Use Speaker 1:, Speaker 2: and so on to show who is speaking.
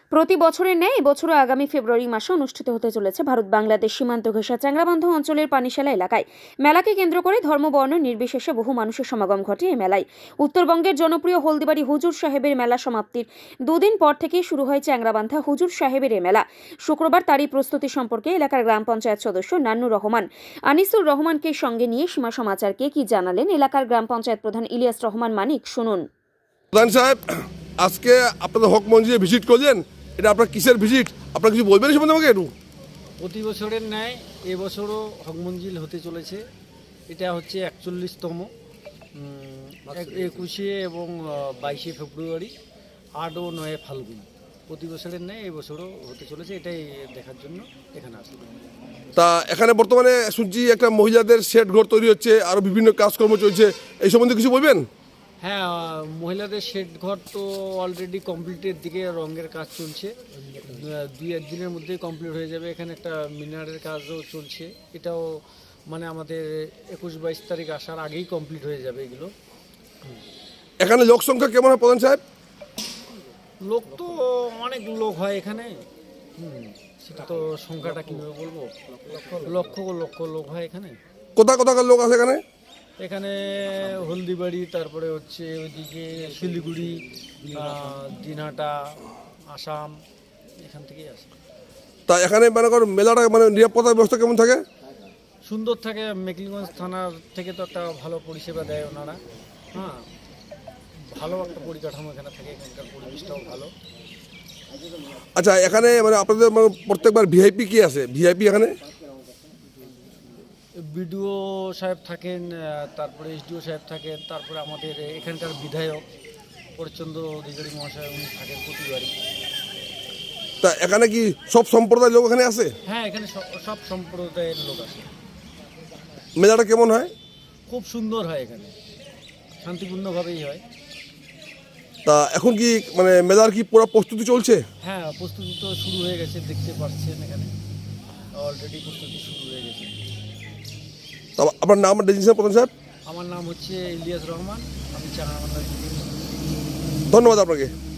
Speaker 1: প্রতি বছরের ন্যায় এবছরও আগামী ফেব্রুয়ারি মাসে অনুষ্ঠিত হতে চলেছে ভারত বাংলাদেশ সীমান্ত ঘেঁষা চ্যাংড়াবান্ধ অঞ্চলের পানিশালা এলাকায়। মেলাকে কেন্দ্র করে ধর্মবর্ণ নির্বিশেষে বহু মানুষের সমাগম ঘটে এই মেলায়। উত্তরবঙ্গের জনপ্রিয় হলদিবাড়ি হুজুর সাহেবের মেলা সমাপ্তির দুদিন পর থেকেই শুরু হয় চ্যাংড়াবান্ধা হুজুর সাহেবের এই মেলা। শুক্রবার তারই প্রস্তুতি সম্পর্কে এলাকার গ্রাম পঞ্চায়েত সদস্য নান্নুর রহমান আনিসুর রহমানকে সঙ্গে নিয়ে সীমা সমাচারকে কি জানালেন এলাকার গ্রাম পঞ্চায়েত প্রধান ইলিয়াস রহমান মানিক, শুনুন।
Speaker 2: প্রধান সাহেব, আজকে আপনাদের হক মঞ্জিলে ভিজিট করলেন, এটা আপনার কিসের ভিজিট? আপনার কিছু বলবেন সম্বন্ধে আমাকে একটু?
Speaker 3: প্রতি বছরের ন্যায় এবছরও হক মঞ্জিল হতে চলেছে। এটা হচ্ছে 41তম, 21 এবং 22 ফেব্রুয়ারি, 8 ও 9 ফাল্গুন। প্রতি বছরের ন্যায় এবছরও হতে চলেছে, এটাই দেখার জন্য এখানে আসবে।
Speaker 2: তা এখানে বর্তমানে শুনছি একটা মহিলাদের সেট ঘর তৈরি হচ্ছে, আরও বিভিন্ন কাজকর্ম চলছে, এই সম্বন্ধে কিছু বলবেন?
Speaker 3: হ্যাঁ, মহিলাদের শেড ঘর তো অলরেডি কমপ্লিটের দিকে, রঙের কাজ চলছে, 2-1 দিনের মধ্যেই কমপ্লিট হয়ে যাবে। এখানে একটা মিনারের কাজও চলছে, এটাও মানে আমাদের 21-22 তারিখ আসার আগেই কমপ্লিট হয়ে যাবে এগুলো।
Speaker 2: এখানে লোক সংখ্যা কেমন হয় প্রধান সাহেব?
Speaker 3: লোক তো অনেক লোক হয় এখানে, সেটা তো সংখ্যাটা কীভাবে বলবো, লক্ষ লক্ষ লোক হয় এখানে।
Speaker 2: কোথাকার লোক আছে এখানে?
Speaker 3: এখানে হলদিবাড়ি, তারপরে হচ্ছে ওইদিকে শিলিগুড়ি, দিনহাটা, আসাম, এখান থেকেই আসে।
Speaker 2: তা এখানে মানে মেলাটা মানে নিরাপত্তার ব্যবস্থা কেমন থাকে?
Speaker 3: সুন্দর থাকে। মেকলিগঞ্জ থানার থেকে তো একটা ভালো পরিষেবা দেয় ওনারা। হ্যাঁ, ভালো একটা পরিকাঠামো এখানে থাকে, এখানকার পরিবেশটাও ভালো।
Speaker 2: আচ্ছা, এখানে মানে আপনাদের মানে প্রত্যেকবার ভিআইপি কি আছে? ভিআইপি এখানে
Speaker 3: বিডিও সাহেব থাকেন, তারপরে এসডিও সাহেব থাকেন, তারপরে আমাদের এখানকার বিধায়ক পরিচন্দ্র অধিকারী মহাশয়, উনি থাকেন প্রতিবারই।
Speaker 2: তা এখানে কি সব সম্প্রদায়ের লোক এখানে আছে?
Speaker 3: হ্যাঁ, এখানে সব সম্প্রদায়ের লোক আছে।
Speaker 2: মেলাটা কেমন হয়?
Speaker 3: খুব সুন্দর হয়, এখানে শান্তিপূর্ণভাবেই হয়।
Speaker 2: তা এখন কি মানে মেলার কি পুরো প্রস্তুতি চলছে?
Speaker 3: হ্যাঁ, প্রস্তুতি তো শুরু হয়ে গেছে, দেখতে পাচ্ছেন এখানে অলরেডি প্রস্তুতি শুরু হয়ে গেছে।
Speaker 2: তা আপনার নাম ডেজিনেশন প্রধান সাহেব?
Speaker 3: আমার নাম হচ্ছে ইলিয়াস রহমান, আমি চ্যাংড়াবান্ধা।
Speaker 2: ধন্যবাদ আপনাকে।